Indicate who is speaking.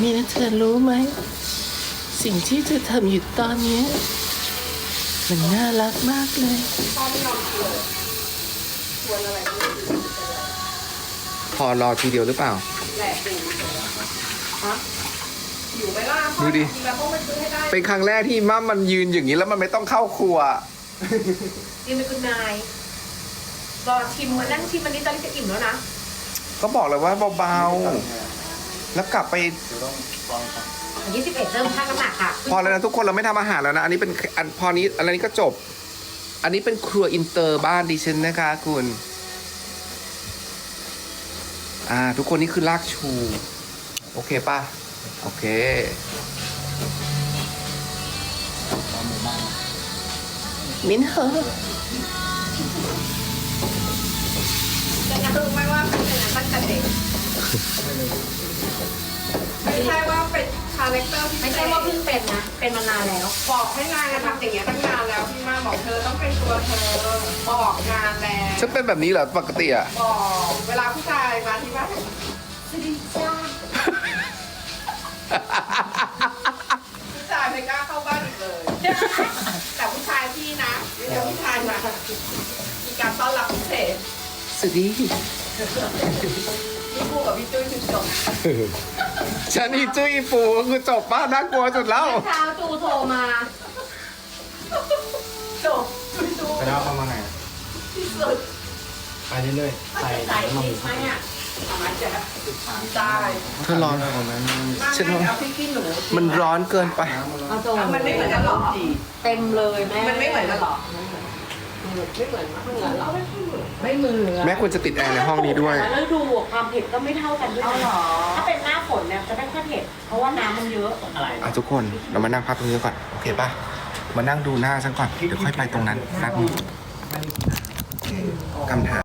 Speaker 1: นี่นะเธอรู้ไหมสิ่งที่เธอทำอยู่ตอนนี้มันน่ารักมากเลยพอรอทีเดียวหรือเปล่า
Speaker 2: อยู่ไหมล่ะ
Speaker 1: ดูดิ
Speaker 2: แล้วต้องไปซื้อให้ได้
Speaker 1: เป็นครั้งแรกที่มั่มมันยืนอย่างนี้แล้วมันไม่ต้องเข้าครัว
Speaker 2: ยืนเป็นคุณนายรอชิมมานั่งชิมมันนี้ตอนนี้จะอิ่มแล้วนะ
Speaker 1: ก็บอกเลยว่าเบาๆแล้วกลับไป
Speaker 2: 21เริ่มชั่งน้ำหนักค่ะ
Speaker 1: พอแล้วนะทุกคนเราไม่ทำอาหารแล้วนะอันนี้เป็นอันพอนี้อันนี้ก็จบ อันนี้เป็นครัวอินเตอร์บ้านดิฉันนะคะคุณทุกคนนี่คือลากชูโอเคป่ะโอเคมิ้นเหรอ
Speaker 2: จะรู้ไหมว่าเป็นอย่างนั้นตั้งแต่เด็กไม่ใช่ว่าเป็นคาแรคเตอร์ที่ไม่ใช่ว่าเพิ่งเป็นนะ เป็นมานานแล้ว บอกให้นายทำอย่างเงี้ยตั้งนานแล้วพี่มาบอกเธอต้องเป็นตัวเธอบอกงานแล้ว
Speaker 1: ฉันเป็นแบบนี้เหรอปกติอะ
Speaker 2: บอกเวลาผู้ชายมาที่บ้านสวัสดีจ้าผู้ชายไม่กล้าเข้าบ้านอีกเลย แต่ผู้ชายพี่นะเดี๋ยวผู้ชายมามีการต้อนรับพิเศษ
Speaker 1: สวัสดี
Speaker 2: พี่ปูกับพี่จุ้ยคือจบ
Speaker 1: ฉันอีจุ้ยอีปูก็คือจบป้าน่ากลัวสุดแล้ว
Speaker 2: เช้าจูโทรมาจบจู
Speaker 3: ไปแล้วเอามาไง
Speaker 2: ที่สุด
Speaker 3: ไปเรื่อยๆใส่
Speaker 2: ใส่
Speaker 3: น้ำมัน
Speaker 2: พริกไหมอ่ะเอามาจะได้
Speaker 1: เธอร้อน
Speaker 3: ตรงนั้น
Speaker 1: ฉันว่า
Speaker 2: เอาพริกขี้หนู
Speaker 1: มันร้อนเกินไป
Speaker 2: เอาโจมันไม่เหมือนกันหรอ
Speaker 4: เต็มเลยแม่
Speaker 2: มันไม่เหมือนกันหรอไม่เหมือนหรอไม่เหมือน
Speaker 1: แม่ควรจะติดแอร์ในห้องนี้ด้วย
Speaker 4: แล้วดูความเผ็ดก็ไม่เท่ากันด้วยนะถ้าเป็นหน้าฝนเนี่ยจะไม่ค่อยเผ็ด เพราะว่าน้ำมันเยอะ
Speaker 1: ทุกคนเรามานั่งพักตรงนี้ก่อนโอเคป่ะมานั่งดูหน้าฉันก่อนเดี๋ยวค่อยไปตรงนั้นแป๊บนึงคำถาม